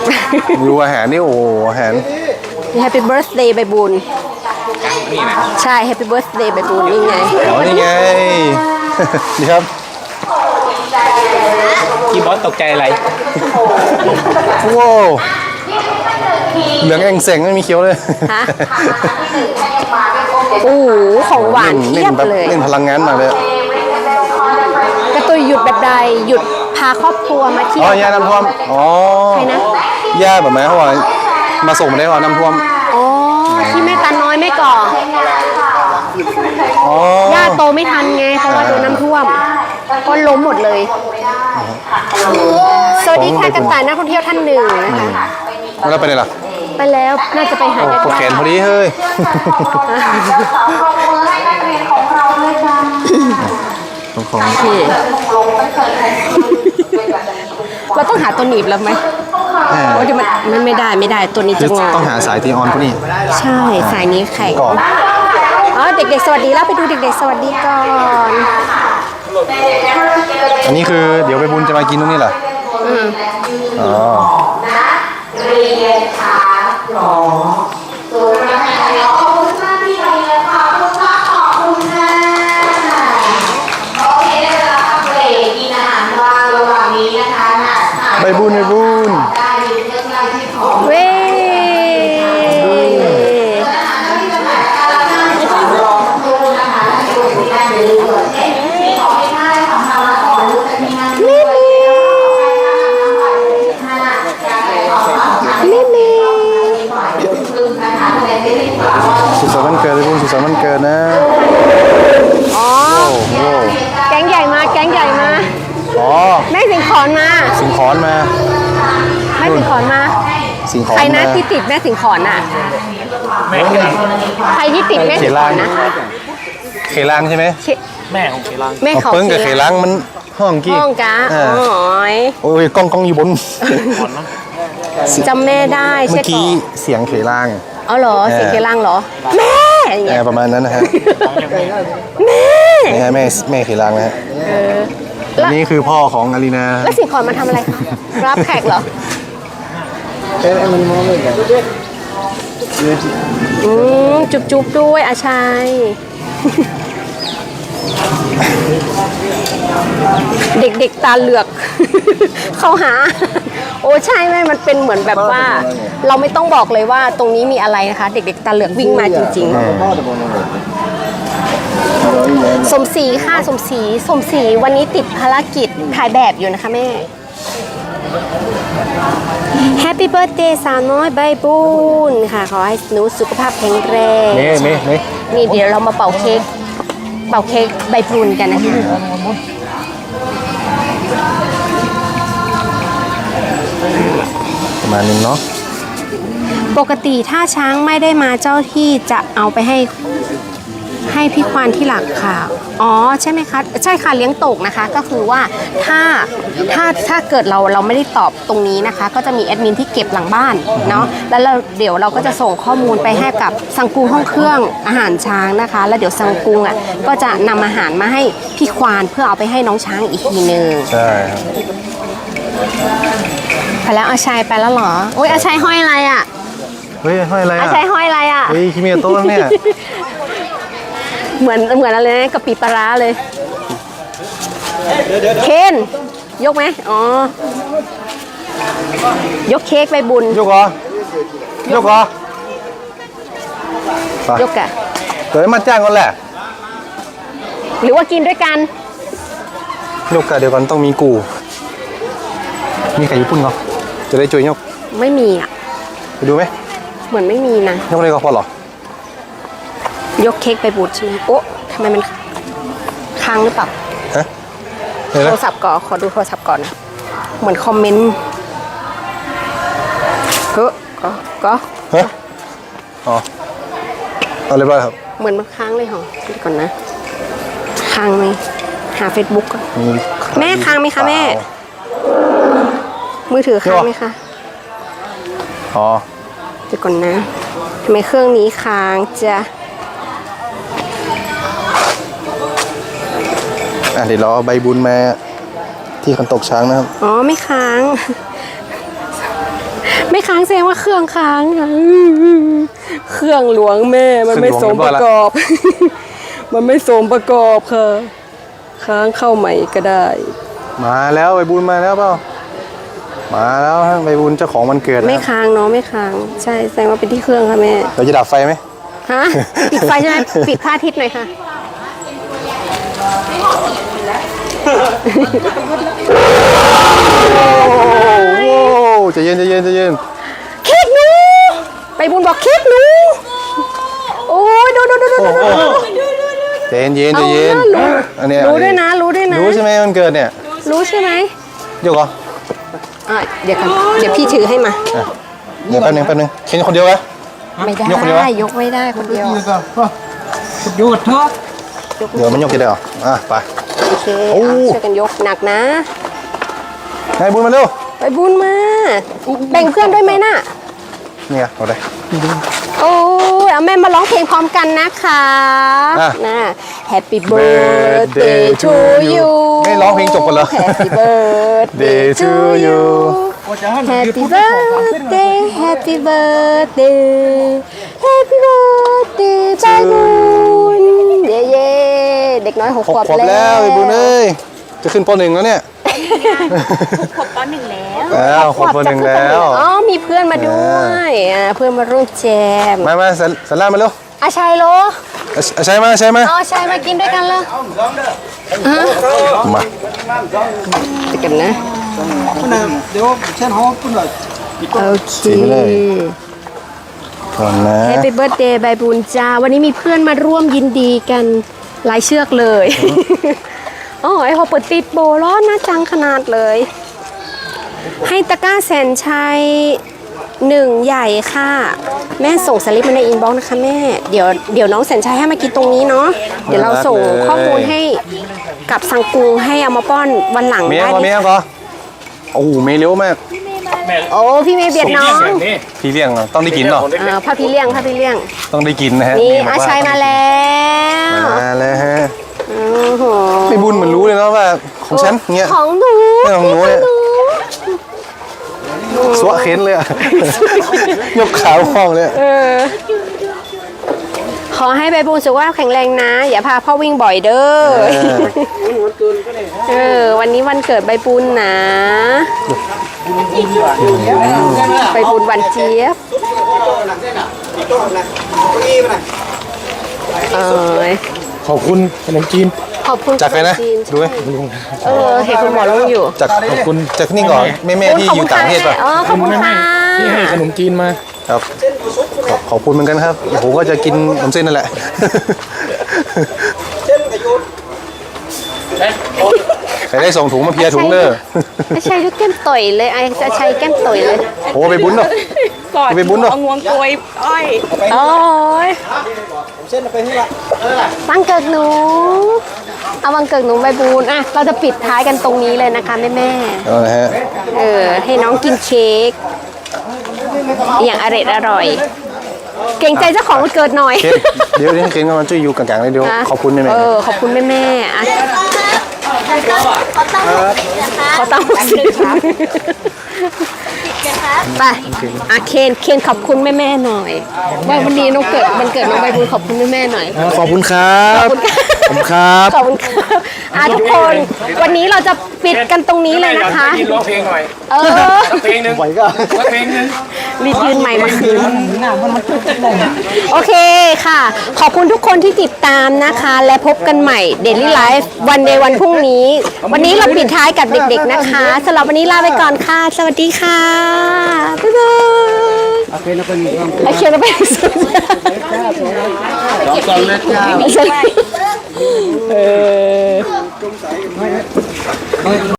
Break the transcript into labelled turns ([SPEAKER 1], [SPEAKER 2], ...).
[SPEAKER 1] ดูอาหารนี่โอ้อาหาร
[SPEAKER 2] Happy Birthday ใบบุญใช่ Happy Birthday ใบบุญนี่ไง
[SPEAKER 1] อ๋อนี่ไงนี่ครับ
[SPEAKER 3] พี่บอสตกใจอะไร
[SPEAKER 1] ว้าวเหลืองเองเสงไม่มีเคี้ยวเลย
[SPEAKER 2] ฮะโอ้โหของหวานเทียบเลย
[SPEAKER 1] เล่นพลังงานมาเลย
[SPEAKER 2] กระตุยหยุดแบบใดหยุดพาครอบครัวมาเที่ยว
[SPEAKER 1] อ๋อย่าน้ำท่วมอ๋อ
[SPEAKER 2] ใครนะ
[SPEAKER 1] ย่าแบบไหนเขาบอกมาส่งมาได้หรอน้ำท่วม
[SPEAKER 2] อ๋อที่แม่ตาน้อยไม่ก่อ
[SPEAKER 1] อ๋อย่
[SPEAKER 2] าโตไม่ทันไงเพราะว่าโดนน้ำท่วมก็ล้มหมดเลยสวัสดีค่ะกระต่ายนักท่องเที่ยวท่านหนึ่งนะคะ
[SPEAKER 1] แล้วไปไหนล่ะ
[SPEAKER 2] ไปแล้วน่าจะไปหาญาติ
[SPEAKER 1] ปวดแขนพอดีเฮ้ยของ
[SPEAKER 2] เราต้องหาตัวหนีบแล้วไหมโอ้ยมันไม่ได้ตัวนี้จะงอ
[SPEAKER 1] ต้องหาสายตีออนพวกนี้
[SPEAKER 2] ใช่สายนี้แข็งอ๋อเด็กๆสวัสดีแล้วไปดูเด็กๆสวัสดีก่อน
[SPEAKER 1] อันนี้คือเดี๋ยวไปบุญจะมากินตรงนี้เหรออ๋อเรียนค่ะหรอตัวนะขอบคุณมากที่เรียนขอบคุณมากขอบคุณค่ะโอเคแล้วเบรกกินอาหารว่างระหว่างนี้นะคะใบบุญ
[SPEAKER 2] เว้
[SPEAKER 1] สุขสันต์วันเกิดเลยคุณสุขสันต์วันเกิดนะ
[SPEAKER 2] อ๋อแก๊งใหญ่มา
[SPEAKER 1] อ๋อ
[SPEAKER 2] แม่สิงขอนมา
[SPEAKER 1] แม่สิงขอนมา
[SPEAKER 2] ใครนะที่ติดแม่สิงขอนน่ะใครที่ติดแม่สิงขอนนะ
[SPEAKER 1] เขลังใช่ไหม
[SPEAKER 3] แม่ของเขลัง
[SPEAKER 2] แม่เขา
[SPEAKER 1] เปิ้งกับเขลังมันห้องกี้
[SPEAKER 2] ห้องกะ
[SPEAKER 1] โอ้ยกล้องอยู่บน
[SPEAKER 2] จำแม่ได้
[SPEAKER 1] เมื่อกี้เสียงเขลัง
[SPEAKER 2] อ๋อเหรอเสียงเขลังเหรอแม่
[SPEAKER 1] ประมาณนั้นนะฮะแม่เขลังนะฮะอันนี้คือพ่อของอารีนา
[SPEAKER 2] แล้วสิงขอนมาทำอะไรคะรับแขกเหรอจุ๊บด้วยอาชัยเด็กๆตาเหลือกเข้าหาโอ้ใช่ไหมมันเป็นเหมือนแบบว่าเราไม่ต้องบอกเลยว่าตรงนี้มีอะไรนะคะเด็กๆตาเหลือกวิ่งมาจริงๆสมศรีค่ะสมศรีวันนี้ติดภารกิจถ่ายแบบอยู่นะคะแม่ Happy Birthday สาวน้อยใบบุญค่ะขอให้หนูสุขภาพแข็งแรงนี่เดี๋ยวเรามาเป่าเค้กใบบุญกันนะคะ
[SPEAKER 1] ประมาณนึงเนาะ
[SPEAKER 2] ปกติถ้าช้างไม่ได้มาเจ้าที่จะเอาไปให้พี่ควานที่หลักค่ะอ๋อใช่ไหมคะใช่ค่ะเลี้ยงตกนะคะก็คือว่าถ้าเกิดเราไม่ได้ตอบตรงนี้นะคะก็จะมีแอดมินที่เก็บหลังบ้านเนาะแล้วเดี๋ยวเราก็จะส่งข้อมูลไปให้กับสังกูห้องเครื่องอาหารช้างนะคะแล้วเดี๋ยวสังกูอ่ะก็จะนำอาหารมาให้พี่ควานเพื่อเอาไปให้น้องช้างอีกทีนึง
[SPEAKER 1] ใช่
[SPEAKER 2] ไปแล้วอาชัยไปแล้วเหรอโอ้ยอาชัยห้อยอะไรอ่ะ
[SPEAKER 1] เฮ้ยห้อยอะไร
[SPEAKER 2] อาชัยห้อยอะไรอ่ะ
[SPEAKER 1] เฮ้ยคิเมโต้เนี่ย
[SPEAKER 2] เหมือนอะไรนะกะปิปลาเลยเคนยกไหมอ๋อยกเค้กไปบุญ
[SPEAKER 1] ยกเหรอยก
[SPEAKER 2] อะ
[SPEAKER 1] เดี๋ยวมาจ้างกันแหละ
[SPEAKER 2] หรือว่ากินด้วยกัน
[SPEAKER 1] ยกกันเดี๋ยวกันต้องมีกูมีไข่ญี่ปุ่นเหรอจะได้ช่วยยก
[SPEAKER 2] ไม่มีอ่ะ
[SPEAKER 1] ไปดูไหม
[SPEAKER 2] เหมือนไม่มีนะ
[SPEAKER 1] ยกอะไรก็พอหร
[SPEAKER 2] อยกเค้กไปบูดใช่ไหมโอ๊ะทำไมมันค้างหรือเปล่า
[SPEAKER 1] ฮะ
[SPEAKER 2] โทรศัพท์ก่อนขอดูโทรศัพท์ก่อนนะเหมือนคอมเมนต์ก็
[SPEAKER 1] ฮะอ๋อเอาเรียบร้อยครับ
[SPEAKER 2] เหมือนมันค้างเลยเหรอดูก่อนนะค้างไหมหา Facebook ก่อนแม่ค้างไหมคะแม่มือถือค้างไหมคะ
[SPEAKER 1] อ๋อ
[SPEAKER 2] เดี๋ยวก่อนนะทำไมเครื่องนี้ค้างจะ
[SPEAKER 1] เดี๋ยวรอใบบุญมาที่คันตกช้างนะครับ
[SPEAKER 2] อ๋อไม่ค้างไม่ค้างแสดงว่าเครื่องค้างค่ะเครื่องหลวงแม่มันไม่สมประกอบ มันไม่สมประกอบค่ะค้างเข้าใหม่ก็ได้
[SPEAKER 4] มาแล้วใบบุญมาแล้วเปล่ามาแล้วฮะใบบุญเจ้าของวันเกิดนะ
[SPEAKER 2] ไม่ค้างเนาะไม่ค้างใช่แสดงว่าเป็นที่เครื่องค่ะแม่
[SPEAKER 4] เราจะดับไฟไหม
[SPEAKER 2] ฮะปิดไฟใช่ไหมปิดพระอาทิตย์หน่อยค่ะ
[SPEAKER 4] โอ้ใจเย็นใจเย็นใจเย็น
[SPEAKER 2] เค้กหนูไปบุญบอกเค้กหนูโอ้ยดู
[SPEAKER 4] ใจเย็นใจเย็นใจเย็นอันเนี้ย
[SPEAKER 2] รู้ด้วยนะรู้ด้วยนะ
[SPEAKER 4] รู้ใช่ไหมวันเกิดเนี่ย
[SPEAKER 2] รู้ใช่ไหม
[SPEAKER 4] เดี๋ยวก่อน
[SPEAKER 2] เดี๋ยวก่อนเดี๋ยวพี่ถือให้มา
[SPEAKER 4] เดี๋ยวแป๊บนึงเข็นคนเดียวนะ
[SPEAKER 2] ไม่ได้
[SPEAKER 4] ยกคนเดียววะ
[SPEAKER 2] ยกไม่ได้คนเดียว
[SPEAKER 3] หยุดเถอะ
[SPEAKER 4] เดี๋ยวมันยกกี่ได้หรอไป
[SPEAKER 2] โอเค
[SPEAKER 4] โอ้
[SPEAKER 2] ช่วยกันยกหนักนะ
[SPEAKER 4] นายบุญมาเร็ว
[SPEAKER 2] ไปบุญมาแบ่งเพื่อนด้วยไหมน่ะ
[SPEAKER 4] เนี่ยเอาได้
[SPEAKER 2] โอ้ยเอาแม่มาร้องเพลงพร้อมกันนะคะ
[SPEAKER 4] อ่ะ
[SPEAKER 2] นะ Happy birthday to you
[SPEAKER 4] ไม่ร้องเพลงจบกันเหรอ
[SPEAKER 2] Happy birthday to you Happy birthday Happy birthday Happy birthday ใจบุญเย้เย้เด็กน้อย6
[SPEAKER 4] 6
[SPEAKER 2] ขวบ
[SPEAKER 4] ขวบแล้วใบบุญเอ้ยจะขึ้นป .1 แล้วเนี่ย
[SPEAKER 2] ขวบป .1 แล้ว
[SPEAKER 4] แล้วขวบป .1 แล้ว
[SPEAKER 2] อ๋อมีเพื่อนมาด้วยเพื่อนมาร่วมแจม
[SPEAKER 4] มาสารามาเร็ว
[SPEAKER 2] อาชัยโล
[SPEAKER 4] ใช่ไหมใช่ไหม
[SPEAKER 2] อ๋อชัยมากินด้วยกันเลย
[SPEAKER 4] มา
[SPEAKER 2] เดี๋ยวกันนะ
[SPEAKER 3] เดี๋ยวเช่นเขาปุ่นเลย
[SPEAKER 2] โอเค
[SPEAKER 4] ก่อนนะ
[SPEAKER 2] แฮปปี้เบิร์ดเดย์ใบบุญจ้าวันนี้มีเพื่อนมาร่วมยินดีกันหลายเชือกเลยอ๋อไอ้พอเปิดติดโบร้อนนะจังขนาดเลย ให้ตะกร้าแสนชัย1ใหญ่ค่ะ แม่ส่งสลิปมาในอินบ็อกซ์นะคะแม่เดี๋ยวน้องแสนชัยให้มากินตรงนี้เนาะเดี๋ยวเราส่งข้อมูลให้กับสังกูให้เอามาป้อนวันหลัง
[SPEAKER 4] เมีย
[SPEAKER 2] ได้
[SPEAKER 4] ก็
[SPEAKER 2] ดิ
[SPEAKER 4] เมียก็โอ้เมียเร็วมาก
[SPEAKER 2] โอ้พี่เมย์เบียดน้อง
[SPEAKER 4] พี่เลี้ยงเหรอต้องได้กินเหรอ
[SPEAKER 2] พาพี่เลี้ยง
[SPEAKER 4] ต้องได้กินนะฮะ
[SPEAKER 2] นี่
[SPEAKER 4] บก
[SPEAKER 2] อา
[SPEAKER 4] ว่
[SPEAKER 2] ชัยมาแล้ว
[SPEAKER 4] มาแล้วฮะ
[SPEAKER 2] โอ้โห
[SPEAKER 4] ไม่บุญเหมือนรู้เลยเนาะว่าของฉันเงี้ย
[SPEAKER 2] ของหนู
[SPEAKER 4] ไม่ของหนูเนี่ย สวะเค้นเลยอะ ยกขาห้องเลย
[SPEAKER 2] ขอให้ใบบุญสุขภาพแข็งแรงนะ อย่าพาพ่อวิ่งบ่อยเด้อวันนี้วันเกิดใบบุญนะใบบุญวันเจี๊ยบ
[SPEAKER 3] ขอบคุณขนมจีน
[SPEAKER 2] ขอบคุณ
[SPEAKER 4] จากใครนะ
[SPEAKER 2] จี
[SPEAKER 4] ดูไหม
[SPEAKER 2] เห็นคุณหมอลงอยู่
[SPEAKER 4] จากขอบคุณจากนี่ก่อนแม่ที่อยู่ต่างประเทศป่ะ
[SPEAKER 2] ขอบคุณค่ะ
[SPEAKER 3] ที่ให้ขนมจีนมา
[SPEAKER 4] ครับขอบคุณเหมือนกันครับผมก็จะกินขนมเส้นนั่นแหละใครได้ส่งถุงมาเพียถุงเด้อ
[SPEAKER 2] ไอ้ชัยดูแก้มต่อยเลยไอ้ชัยแก้มต่อยเลย
[SPEAKER 4] โอ้ไปบุญเนาะ
[SPEAKER 5] กอด
[SPEAKER 4] ไปบุญเนาะ
[SPEAKER 5] เอางวงกลวยอ้อย
[SPEAKER 2] โอ้ยวันเกิดหนูเอาวันเกิดหนูใบบุญอ่ะเราจะปิดท้ายกันตรงนี้เลยนะคะแม่
[SPEAKER 4] เอาละฮะ
[SPEAKER 2] ให้น้องกินเค้กอย่างอร่อยเกรงใจเจ้าของวันเกิดหน่อย
[SPEAKER 4] เคนเดี๋ยวเคนก็มาช่วยอยู่กลางๆเลยเดี๋ยวขอบคุณแม่
[SPEAKER 2] ขอบคุณแม่ๆอ่ะขอตั้งสิไปเคนขอบคุณแม่ๆหน่อยว่าวันนี้น้องเกิดวันเกิดน้องใบบุญขอบคุณแม่ๆหน่อย
[SPEAKER 4] ขอบคุณครับขอบคุณครับ
[SPEAKER 2] ขอบคุณครับทุกคนวันนี้เราจะปิดกันตรงนี้เลยนะคะ
[SPEAKER 3] ร้องเพลงหน่อย เพลงหนึ่ง
[SPEAKER 4] ไหวก็
[SPEAKER 3] เพลงหนึ่ง
[SPEAKER 2] รีบยืนใหม่มาคืนโอเคค่ะ ขอบคุณทุกคนที่ติดตามนะคะ และพบกันใหม่ Daily Life วันในวันพรุ่งนี้ วันนี้เราปิดท้ายกับเด็กๆนะคะสำหรับวันนี้ลาไปก่อนค่ะ สวัสดีค่ะบ๊ายบายโอเคเราไปสุด
[SPEAKER 3] ก่อนเลย